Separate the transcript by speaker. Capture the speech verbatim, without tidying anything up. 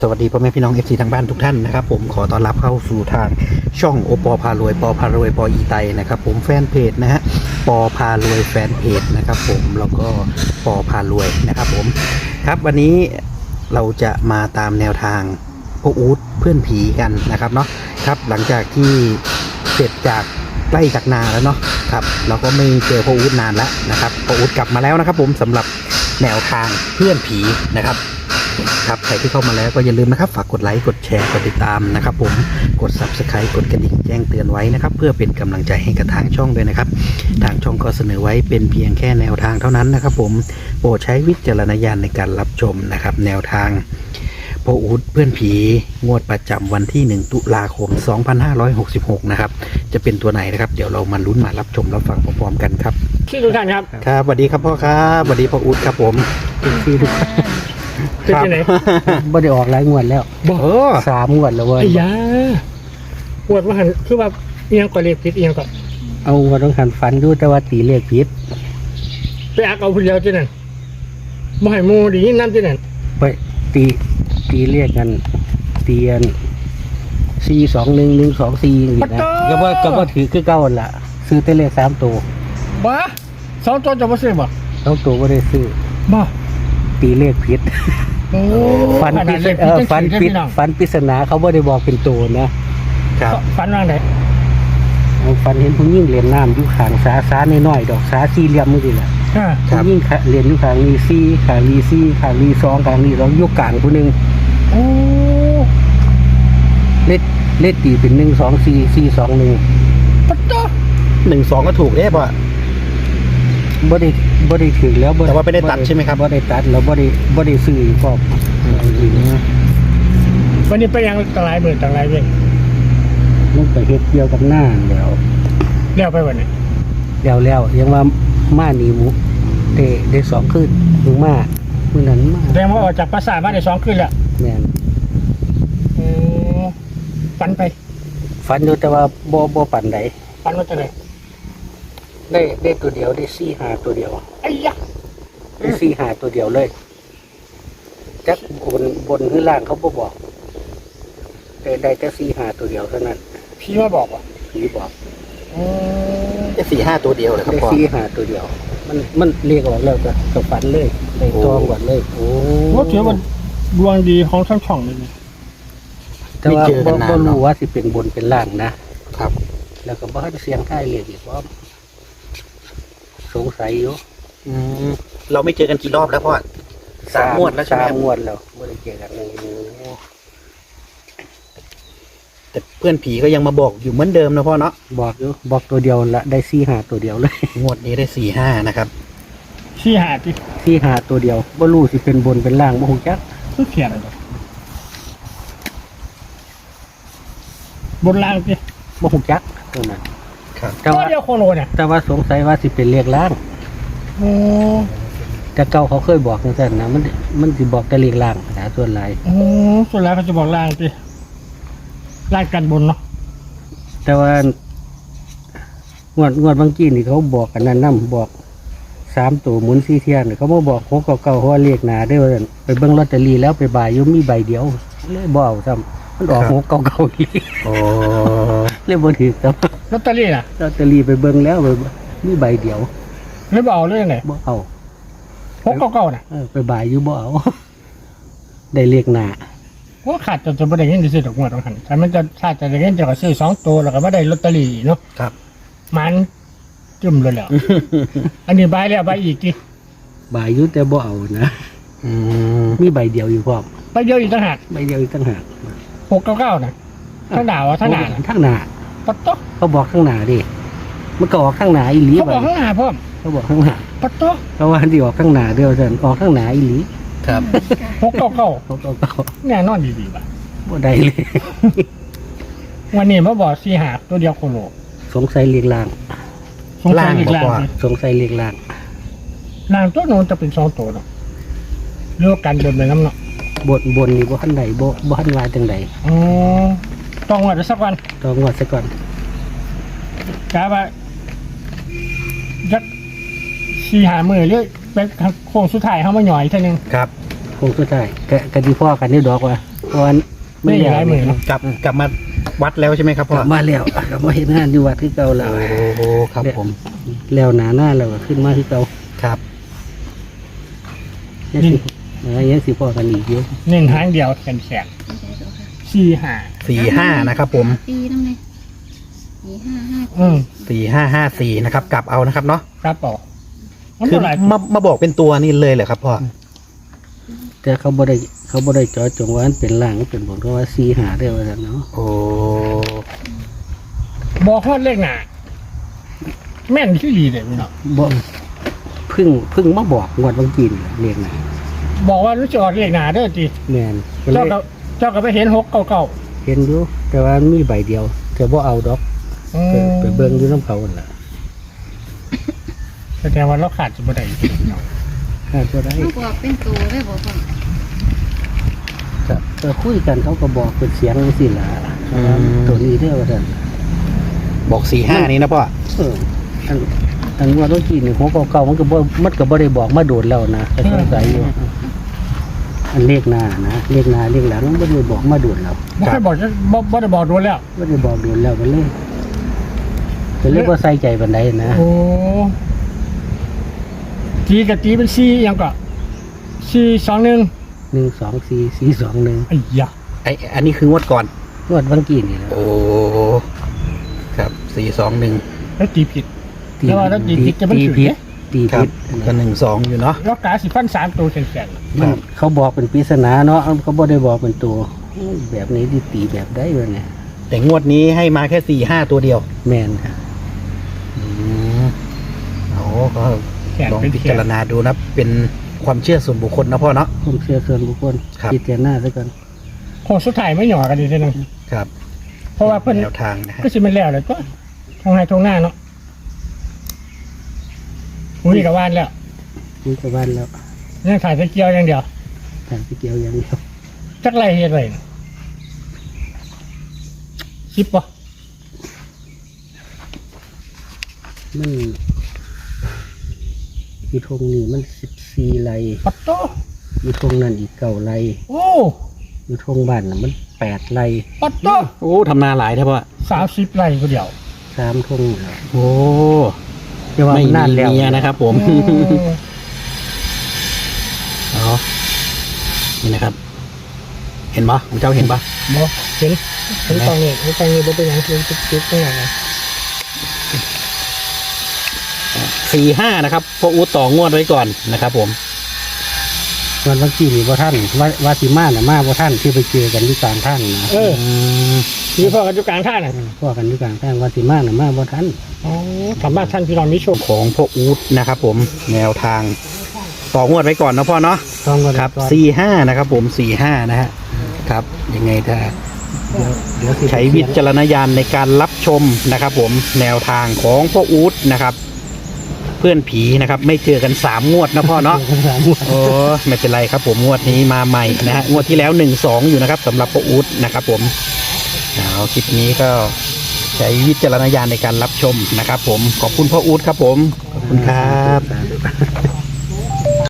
Speaker 1: สวัสดีพ่อแม่พี่น้อง เอฟ ซี ทางบ้านทุกท่านนะครับผมขอต้อนรับเข้าสู่ทางช่องโอปอพารวยปอพารวยปออีไตนะครับผมแฟนเพจนะฮะปอพารวยแฟนเพจนะครับผมแล้วก็ปอพารวยนะครับผมครับวันนี้เราจะมาตามแนวทางพ่ออู๊ดเพื่อนผีกันนะครับเนาะครับหลังจากที่เสร็จจากใกล้จากนาแล้วเนาะครับเราก็ไม่เจอพ่ออู๊ดนานแล้วนะครับพ่ออู๊ดกลับมาแล้วนะครับผมสำหรับแนวทางเพื่อนผีนะครับครับใครที่เข้ามาแล้วก็อย่าลืมนะครับฝากกดไลค์กดแชร์กดติดตามนะครับผมกด ซับสไครบ์ กดกระดิ่งแจ้งเตือนไว้นะครับเพื่อเป็นกำลังใจให้กับทางช่องด้วยนะครับทางช่องก็เสนอไว้เป็นเพียงแค่แนวทางเท่านั้นนะครับผมโปรดใช้วิจารณญาณในการรับชมนะครับแนวทางพ่ออู๊ดเพื่อนผีงวดประจำวันที่หนึ่งตุลาคมสองพันห้าร้อยหกสิบหกนะครับจะเป็นตัวไหนนะครับเดี๋ยวเรามาลุ้นมารับชมรับฟังพร้อมๆกันครับ
Speaker 2: ที่ทุกท่านครับ
Speaker 1: ครับสวัสดีครับพ่อครับสวัสดีพ่ออู๊ดครับผมที่ทุกท่าน
Speaker 2: เป็นที่ไหน
Speaker 3: บ่ได้ออกหลายงวดแล้ว
Speaker 2: บอก
Speaker 1: โอ้
Speaker 3: สามงวดแล้วเว้ย
Speaker 2: ไอ้ยาปวดว่าหันคือว่าเอียงกว่าเล็บผิดเอียงก่อน
Speaker 3: เอางวดต้องหันฟันดูแต่ว่าตีเลขผิด
Speaker 2: ไปอักเอาผู้เดียวที่นั่นบ่ให้หมูดีนั่นที่นั่น
Speaker 3: ไปตีตีเลขกันตีอันสี่สองหนึ่งหนึ่งสองสี่อย่างนี้นะก็ว่าก็ว่าถือคือเก้าหั่นล่ะซื้อแต่เลขสามตัว
Speaker 2: บ้าสองตัวจะมาซื้อบ่
Speaker 3: สองตัวก็ได้ซื้อ
Speaker 2: บ้า
Speaker 3: ตีเลขผิด
Speaker 2: โอ้
Speaker 3: ฟัน
Speaker 2: ข
Speaker 3: ปิ
Speaker 2: นาด
Speaker 3: ด
Speaker 2: เล็บ
Speaker 3: เอ
Speaker 2: ผิด
Speaker 3: อฟัน
Speaker 2: จัง
Speaker 3: ปิ
Speaker 2: สิ
Speaker 3: ด
Speaker 2: พี่น้อง
Speaker 3: ฟันปริศนาเขาบ่ได้บอกเป็นตัวนะครับ
Speaker 2: ฟันว่างไหน
Speaker 3: เอาฟันเห็นผู้หญิงเหรียญน้ำอยู่ข้างสาสาน้อยๆดอกสาสี่เหลี่ยมมือดีแหละ
Speaker 2: อ่า
Speaker 3: ผู้หญิงเหรียญอยู่ข้างนี้สี่ข้างนี้สี่ข้างนี้สองข้างนี้สองอยกกลางผู้หนึง
Speaker 2: โอ้
Speaker 3: เลขเลขตีเป็นหนึ่งสองสี่สี่สองหนึ่ง
Speaker 2: ปัดโต
Speaker 1: หนึ่งสองก็ถูกได้ป่ะ
Speaker 3: บ่ได้บ่ได้ถึงแล้ว
Speaker 1: แต่ว่าไม่ได้ตัดใช่ไหมครับ
Speaker 3: บ่ได้ตัดแล้วบ่ได้บ่ได้ซื้ออีกพร้อมอีกนะ
Speaker 2: วันนี้ไปยังต่างหลายหมื่นต่างหลายเว้ย
Speaker 3: มันไปเฮ็ดเกี่ยวกับหน้าแล้ว
Speaker 2: เลี้ยวไปวันนี้
Speaker 3: แล้วแล้วยังว่ามาหนีหมูได้ได้สองคืนมึงมามื้อนั้นมา
Speaker 2: แสดงว่าออกจากปราสาทมาได้สองคืนแล้ว
Speaker 3: แม่น
Speaker 2: อืมฟันไป
Speaker 3: ฝันอยู่แต่ว่าบ่บ่ปานใด
Speaker 2: ฟันว่าจะไหน
Speaker 3: ได้ได้ตัวเดียวได้สี่ห้าตัวเดียว
Speaker 2: ไอ้ยะ
Speaker 3: ได้สี่ห้าตัวเดียวเลยจักบนบนหรือล่างเขาบ่บอกได้ได้แต่สี่ห้าตัวเดียวเท่านั้น
Speaker 2: พี่มาบอกว่า
Speaker 3: ผีบอก
Speaker 2: อืม
Speaker 1: ได้สี่ห้าตัวเดียวเลยครับ
Speaker 3: ได้
Speaker 1: พ่อ
Speaker 3: สี่ห้าตัวเดียว มันมันเรียกออกแล้วก็ตกฝันเลยได้ตองก่อนเลย
Speaker 1: โอ้
Speaker 2: ว่าถือว่าดวงดีของทั้งช่องเลยนะ
Speaker 3: แต่ว่าบ่บ่รู้ว่าสิเป็นบนเป็นล่างนะ
Speaker 1: ครับ
Speaker 3: แล้วก็บ่ให้เสียงใกล้เรียกอีกว่าสงสัยอยู่
Speaker 1: อืมเราไม่เจอกันกี่รอบแล้วพ่อสามงวดแล้วใช่ไหม
Speaker 3: สา
Speaker 1: ค
Speaker 3: ม
Speaker 1: รับ
Speaker 3: งวดแล้วบ่ได้เจอกัน
Speaker 1: โอ้แต่เพื่อนผีก็ยังมาบอกอยู่เหมือนเดิมนะพ่อเนาะ
Speaker 3: บอกอยู่บอกตัวเดียวละได้สี่ห้าตัวเดียวเลย
Speaker 1: งวดนี้ได้สี่ห้านะครับ
Speaker 2: ชี้หาที่
Speaker 3: สี่ห้าตัวเดียวบ่รู้สิเป็นบนเป็นล่างบ่ฮู้จัก
Speaker 2: คือเขียนอะไรบนล่างที่
Speaker 3: บ่ฮู้จักตัวนั้น
Speaker 1: ครับ
Speaker 3: แต่
Speaker 2: ตัว
Speaker 3: ว่า
Speaker 2: เดียวโคโลเนี่ย
Speaker 3: แต่ว่าสงสัยว่าสิเป็นเลขล่าง
Speaker 2: โอ้
Speaker 3: แต่เก่าเขาเคยบอกจังซั่นนะมันมันสิบอกแต่เลขล่างนะส่วนหลาย
Speaker 2: โอ้ส่วนแล้วเขาจะบอกล่างที่ล่างกันบนเนาะ
Speaker 3: แต่ว่างวดงวดบางกี้นี่เขาบอกกันนั่นนํบอกสามตัวหมุนสี่เที่ยนเขามาบอกหกเก่าๆเพราะว่าเลขหนาได้ว่าซั่นไปเบิ่งลอตเตอรี่แล้วไปบ่ายอยู่มีใบเดียวเลยบ่เอาซ้ำมันออกหกเก่าๆอีก
Speaker 1: โอ้
Speaker 3: เลยบ่ถือซ้
Speaker 2: ลอตเตอรี่น่ะ
Speaker 3: ำลอตเตอรี่ไปเบิ่งแล้วไปมีใบเดียว
Speaker 2: ไม่บอกเอาเรื่องไหน
Speaker 3: บ่เอา
Speaker 2: พกเก่าๆน่ะ
Speaker 3: เออไปบ่ายอยู่บ่เอา ได้เลขหนา
Speaker 2: ว่าขาดจะจะไม่ได้เงินจะซื้อดอกงวดต้องหันแต่มันจะขาดจะได้เงินจะก็ซื้อสองตัวแล้วก็ไม่ได้ลอตเตอรี่เนาะ
Speaker 1: ครับ
Speaker 2: มันจุ่มเลยแหล้ว อันนี้ใบแล้วใบอีกที
Speaker 3: บ่ายอยู่แต่บ่เอานะ
Speaker 1: อืม
Speaker 3: มีใบเดียวอยู่พร้อม
Speaker 2: ใบเดียวอีกต่างหาก
Speaker 3: ใบเดียวอีกต่างหาก
Speaker 2: หกเก้าเก้าน่ะถ้าหนาวอ่ะถ้าหนาน่ะ
Speaker 3: ทั้งหนา
Speaker 2: ปัดโต๊ะ
Speaker 3: เขาบอกข้างหน้าดิมันก็ออกข้างหน้าอีหลี
Speaker 2: เขาบอก
Speaker 3: บัด
Speaker 2: ข้างหน้าพ่อม
Speaker 3: เขาบอกข้างหน้า
Speaker 2: ปัดโต๊ะ
Speaker 3: เพราะว่าที่ออกข้างหน้าเดียวซั่นออกข้างหน้าอีหลี
Speaker 1: ครับ
Speaker 2: หกเก้าเก้า
Speaker 3: เขาก็ก็
Speaker 2: แน่นอนดีๆว่ะ
Speaker 3: บ่ได้เลย
Speaker 2: วันนี้มาบอกสี่หาตัวเดียวโคโล
Speaker 3: สงสัยเลขล่าง
Speaker 2: สงสัยอีกล่างสิ
Speaker 3: สงสัยเลขล่าง
Speaker 2: ล่างตัวโน้นจะเป็นสองตัวเนาะเรื่องการบนไปน้ำเนาะ
Speaker 3: บนบนนี่บ่ทันใดบ่บ่ทันว่าจังใด
Speaker 2: อ๋อต้องว่าจะสักวัน
Speaker 3: ต้องงวดซะก่อน
Speaker 2: กะว่าจักสี่หามือเรื่อยเป็นโค้งสุดท้ายเขามาหน่อยเท่านึง
Speaker 1: ครับ
Speaker 3: คงสุดท้ายก็ก็สิพ่อกันนี่ดอกว่าเพราะว่า
Speaker 2: ไม่
Speaker 3: ไม่
Speaker 2: ห
Speaker 3: แล้ว
Speaker 2: ลายหมื่นเนาะ
Speaker 1: กลับกลับมาวัดแล้วใช่ไหมครับ
Speaker 3: ก
Speaker 1: พ่อ
Speaker 3: ลับมาแล้วกลับมาเห็นงานอยู่วัดที่เก่าแล้ว
Speaker 1: โอ้โหครับผม
Speaker 3: แล้วหนาหน้าแล้วก็ขึ้นมาที่เก่า
Speaker 1: ครับ
Speaker 3: ยังสิเออยังสิพ่อกันอีกเยอะ
Speaker 2: เน้นทางเดียวแขนแขนสี่ห้า
Speaker 1: สี่ห้านะครับผม
Speaker 4: ปีนั่นเลยสี่ห้าห้า
Speaker 2: อืม
Speaker 1: สี่ห้าห้าสี่นะครับกลับเอานะครับเนาะ
Speaker 2: ครับต่อมัน
Speaker 1: คือ
Speaker 2: เท่าไหร่
Speaker 1: มามาบอกเป็นตัวนี่เลยเหรอครับพ่อ
Speaker 3: แต่เขาบ่ได้เขาบ่ได้เจาะจงว่ามันเป็นล่างมันเป็นบนเพราะว่าซีหาได้ว่าซั่นเนาะ
Speaker 1: โอ้
Speaker 2: บอกฮอดเลขหน้าแม่นคือดีเลยพี่น้อง
Speaker 3: บ่เพึ่งเพึ่งมาบอกงวดบางกีนเรียกนะ
Speaker 2: บอกว่ารู้จะออกเลขหน้าเด้อจี
Speaker 3: แม่นก็เล
Speaker 2: เจ้าย ก็เจ้าก็ไปเห็นหกเก่าเก่า
Speaker 3: เห็นอยู่แต่ว่ามีใบเดียวแต่บ่เอาดอก
Speaker 2: ๆอื
Speaker 3: ไป
Speaker 2: ม
Speaker 3: ไปเบิ่งอยู่น้ำเขาหั่นล่ะ
Speaker 2: แสดงว่าเราขาดจะบ่ได้พี่น้อง
Speaker 3: คาดบ่ได้
Speaker 4: เขาบอกเป็นตัวได้บอกพ่อ
Speaker 3: ก็ก็คุยกันเขาก็บอกเป็นเสียงจังซี่ล่ะว่าตัวนี้เด้อว่าซั่น
Speaker 1: บอกสี่ห้านี้นะพ่อ
Speaker 3: เอออันอันงวดบางกีนนี่หัวเก่าๆมันก็บ่มันก็บ่ได้บอกมาโดดแล้วนะแต่สงสัยอยู่อันเลขหน้านะเลขหน้าเลขหลังมันบ่ได้บอกมาโดดแล้ว
Speaker 2: บ่เคยบอกจะบ่บ่ได้บอกโดนแล้ว
Speaker 3: ไม่ได้บอกโดนแล้วกันเลยก็เรียกว่าใส่ใจบันไดนะ
Speaker 2: โอ้ตีกับตีเป็นสี่ยังก็สี่สองหนึ่ง
Speaker 3: หนึ่งสองสี่สี่สองหนึ่ง
Speaker 2: ไอ้ยะ
Speaker 1: ไออันนี้คืองวดก่อน
Speaker 3: งวดบางกีนี่แหละ
Speaker 1: โอ้ครับสี่สองหนึ่ง
Speaker 2: แล้วตีผิด แล้วว่าแล้วตีผิดจะมัน
Speaker 3: ตี
Speaker 2: ถือ
Speaker 3: ผิด
Speaker 2: เนี่ย
Speaker 3: ตี
Speaker 1: ครั
Speaker 3: ผิ
Speaker 1: บ
Speaker 3: ด
Speaker 1: ก็หนึ่งสองอยู่เนาะ
Speaker 2: แล้วกาสิฟันสามตัวแข็ง
Speaker 3: มันเขาบอกเป็นปริศนาเนาะเขาบอกได้บอกเป็นตัวแบบนี้ที่ตีแบบได้เลยเนี่ย
Speaker 1: แต่งวดนี้ให้มาแค่สี่ห้าตัวเดียว
Speaker 3: แมนค่ะ
Speaker 1: อืมโอ้ก็
Speaker 2: ๆแขน
Speaker 1: ลอง
Speaker 2: เป็น
Speaker 1: พิ
Speaker 2: แข
Speaker 1: จาน รณาดูนะ เป็นความเชื่อส่วนบุคคลนะพ่อเนาะ
Speaker 3: ผมเชื่อส่วนบุคคล
Speaker 1: ครับ
Speaker 3: พิจารณาด้วยกัน
Speaker 2: โคงสุดท้ายไม่หย่อกันดีเท่านั้น
Speaker 1: ครับ
Speaker 2: เพราะว่าเพิ่น
Speaker 1: แนวทางนะฮะ
Speaker 2: ก็สิมันแล้วเลยก็ทางไห้ตรงหน้าเนาะอุ้ยกับว่านแล้ว
Speaker 3: นี่ก็บ้านแล้ว
Speaker 2: ยังถ่ายตะเกียวอย่างเดียว
Speaker 3: ทางที่เกี่ยวอย่างเดียว
Speaker 2: จักไรเฮ็ดไรสิบปะ
Speaker 3: มันอีทงนี่มันสิบสี่ไร่
Speaker 2: ปัตโต
Speaker 3: อีทงนั่นอีกเก้าไร่
Speaker 2: โอ้
Speaker 3: อีทงบ้านน่ะมันแปดไร่
Speaker 2: ปัตโต
Speaker 1: โอ้ทำนาหลายใช่พ่อ
Speaker 2: สามสิบไรก็เดียว
Speaker 3: สามทงแล้ว
Speaker 1: โอ้
Speaker 3: แต่ว่า
Speaker 1: ไม่
Speaker 3: มัน
Speaker 1: มี
Speaker 3: นานแล้ว
Speaker 1: เมียนะครับผม
Speaker 2: อืม
Speaker 1: เอานี่นะครับ เห็นปะผมเจ้าเห็นปะ
Speaker 2: บ่เห็นเห็นตอนนี้เห็นตอนนี้บ่เป็นหยังเห็นจุดๆตรงไหนนะ
Speaker 1: สี่ห้านะครับพ่ออู๊ดต่องวดไว้ก่อนนะครับผม
Speaker 3: วันวันที่นี่บ่ท่านว่าว่าสิมาน่ะมาบ่ท่านที่ไปเจอกันที่กลางทางนะ
Speaker 2: เออ
Speaker 1: อืม
Speaker 2: มีพ่อกันจุกลางท่าน่ะ
Speaker 3: พวกกันที่กลางทางว่าสิมาน่ะมาบ่ท่าน
Speaker 2: อ๋อถามว่าท่านพี่น้องมีโชค
Speaker 1: ของพ่ออู๊ดนะครับผมแนวทางต่องวดไว้ก่อนนะพ่อเนาะ
Speaker 3: ต้องก็
Speaker 1: ครับ
Speaker 3: ก่อน
Speaker 1: สี่ห้านะครับผมสี่ห้านะฮะครับยังไงถ้า
Speaker 3: เดี๋ยวเดี๋ยวสิ
Speaker 1: ใช้วิจารณญาณในการรับชมนะครับผมแนวทางของพ่ออู๊ดนะครับ เพื่อนผีนะครับ ไม่เจอกันสามงวดนะพ่อเนาะ
Speaker 3: เดี๋ยวสามงวด
Speaker 1: โอ้ไม่เป็นไรครับผมงวดนี้มาใหม่นะฮะงวดที่แล้วหนึ่งสองอยู่นะครับสำหรับพ่ออู๊ดนะครับผมเอาคลิปนี้ก็ใช้วิจารณญาณในการรับชมนะครับผมขอบคุณพ่ออู๊ดครับผมขอบคุณครับ
Speaker 3: สาธุ